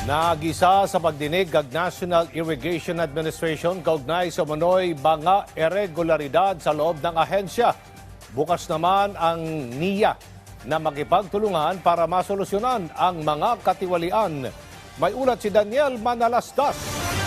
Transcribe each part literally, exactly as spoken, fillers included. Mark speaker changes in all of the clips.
Speaker 1: Nagisa sa pagdinig kag National Irrigation Administration kaugnay sa manoy mga irregularidad sa loob ng ahensya. Bukas naman ang N I A na makipagtulungan para masolusyonan ang mga katiwalian. May ulat si Daniel Manalastas.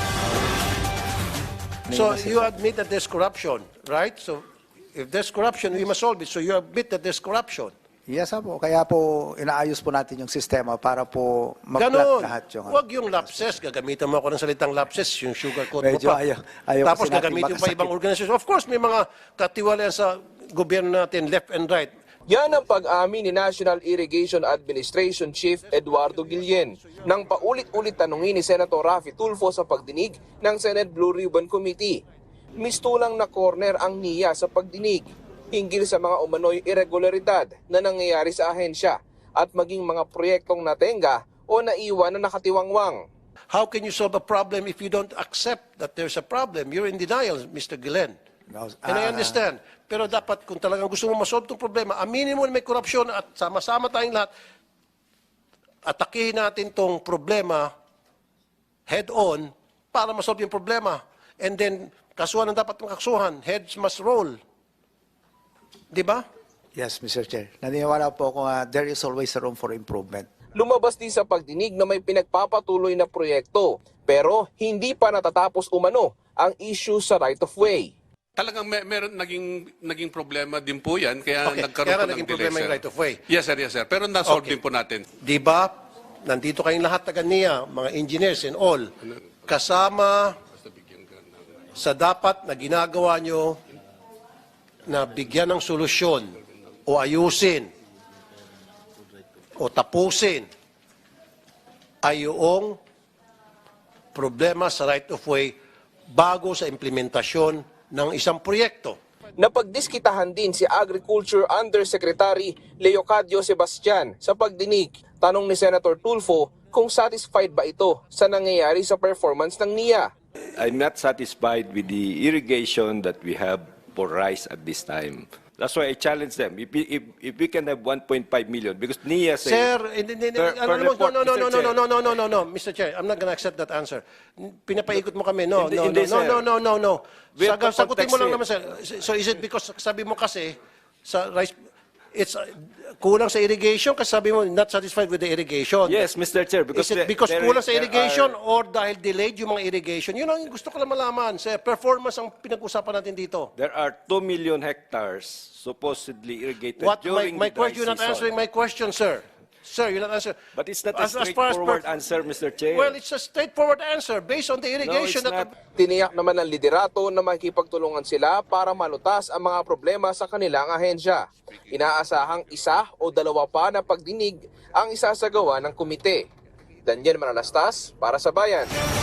Speaker 2: So you admit that there's corruption, right? So if there's corruption, we must solve it. So you admit that there's corruption.
Speaker 3: Yes, po. Kaya po inaayos po natin yung sistema para po mag-flat
Speaker 2: Ganon.
Speaker 3: lahat yung...
Speaker 2: Huwag yung lapses. Gagamitan mo ako ng salitang lapses, yung sugar coat mo
Speaker 3: Medyo
Speaker 2: pa.
Speaker 3: ayaw- ayaw
Speaker 2: Tapos
Speaker 3: kasi natin
Speaker 2: gagamitin pa
Speaker 3: makasakit.
Speaker 2: ibang organisasyon. Of course, may mga katiwalian sa gobyerno natin, left and right.
Speaker 4: Yan ang pag-amin ni National Irrigation Administration Chief Eduardo Guillen nang paulit-ulit tanungin ni Senator Raffy Tulfo sa pagdinig ng Senate Blue Ribbon Committee. Mistulang na corner ang N I A sa pagdinig hinggil sa mga umano'y irregularidad na nangyayari sa ahensya at maging mga proyektong natenga o naiwan na nakatiwangwang.
Speaker 2: How can you solve a problem if you don't accept that there's a problem? You're in denial, Mister Guillen.
Speaker 3: No,
Speaker 2: And I
Speaker 3: ah,
Speaker 2: understand. Pero dapat kung talagang gusto mo masolve itong problema, aminin mo na may korupsyon at sama-sama tayong lahat, atakihin natin itong problema head-on para masolve yung problema. And then, kasuhan ang dapat makakasuhan. Heads must roll. Di ba?
Speaker 3: Yes, Mister Chair. Naniniwala po ako nga there is always a room for improvement.
Speaker 4: Lumabas din sa pagdinig na may pinagpapatuloy na proyekto pero hindi pa natatapos umano ang issue sa right-of-way.
Speaker 5: Talagang may, meron naging naging problema din po 'yan kaya
Speaker 2: Okay,
Speaker 5: nagkaroon
Speaker 2: kaya
Speaker 5: po ng
Speaker 2: naging
Speaker 5: delay,
Speaker 2: problema yung
Speaker 5: sir.
Speaker 2: right of way.
Speaker 5: Yes sir, yes sir. Pero na-solve
Speaker 2: Okay.
Speaker 5: din po natin.
Speaker 2: Di ba? Nandito kayong lahat taga N I A, mga engineers and all, kasama sa dapat na ginagawa nyo na bigyan ng solusyon o ayusin o tapusin ay yung problema sa right of way bago sa implementasyon ng isang proyekto.
Speaker 4: Napagdiskitahan din si Agriculture Undersecretary Leocadio Sebastian sa pagdinig. Tanong ni Senator Tulfo kung satisfied ba ito sa nangyayari sa performance ng N I A.
Speaker 6: I'm not satisfied with the irrigation that we have for rice at this time. That's why I challenge them. If, we- if, if we can have one point five million, because N I A say...
Speaker 2: Sir, hindi, hindi,
Speaker 6: Per-
Speaker 2: ano
Speaker 6: per
Speaker 2: mo,
Speaker 6: report,
Speaker 2: no, no, no,
Speaker 6: Mister
Speaker 2: no, no,
Speaker 6: Chair.
Speaker 2: no, no, no, no, no, Mister Chair, I'm not gonna accept that answer. Pinapaikot mo kami, no,
Speaker 6: Hindi-
Speaker 2: no,
Speaker 6: hindi,
Speaker 2: no,
Speaker 6: sir.
Speaker 2: no, no, no, no.
Speaker 6: We have
Speaker 2: Saga,
Speaker 6: to
Speaker 2: sagutin mo lang naman,
Speaker 6: context
Speaker 2: sir. So is it because sabi mo kasi, sa rice, it's uh, kulang sa irrigation kasi sabi mo not satisfied with the irrigation.
Speaker 6: Yes, Mister Chair, because...
Speaker 2: Is it
Speaker 6: there-
Speaker 2: because
Speaker 6: there-
Speaker 2: kulang sa
Speaker 6: there
Speaker 2: irrigation
Speaker 6: are-
Speaker 2: or dahil delayed yung mga irrigation? Yun ang gusto ko lang malaman, sir. Performance ang pinag-usapan natin dito.
Speaker 6: There are two million hectares supposedly irrigated
Speaker 2: What, my,
Speaker 6: during
Speaker 2: my
Speaker 6: the dry
Speaker 2: question, you're not
Speaker 6: season.
Speaker 2: answering my question, sir. Sir, you're not answering.
Speaker 6: But it's not a
Speaker 2: As- as far as
Speaker 6: straightforward
Speaker 2: per-
Speaker 6: answer, Mister Chair.
Speaker 2: Well, it's a straightforward answer based on the
Speaker 6: No,
Speaker 2: irrigation
Speaker 6: it's
Speaker 2: that...
Speaker 6: not.
Speaker 4: Tiniyak naman ng liderato na makikipagtulungan sila para malutas ang mga problema sa kanilang ahensya. Inaasahang isa o dalawa pa na pagdinig ang isasagawa ng komite. Daniel Manalastas para sa Bayan.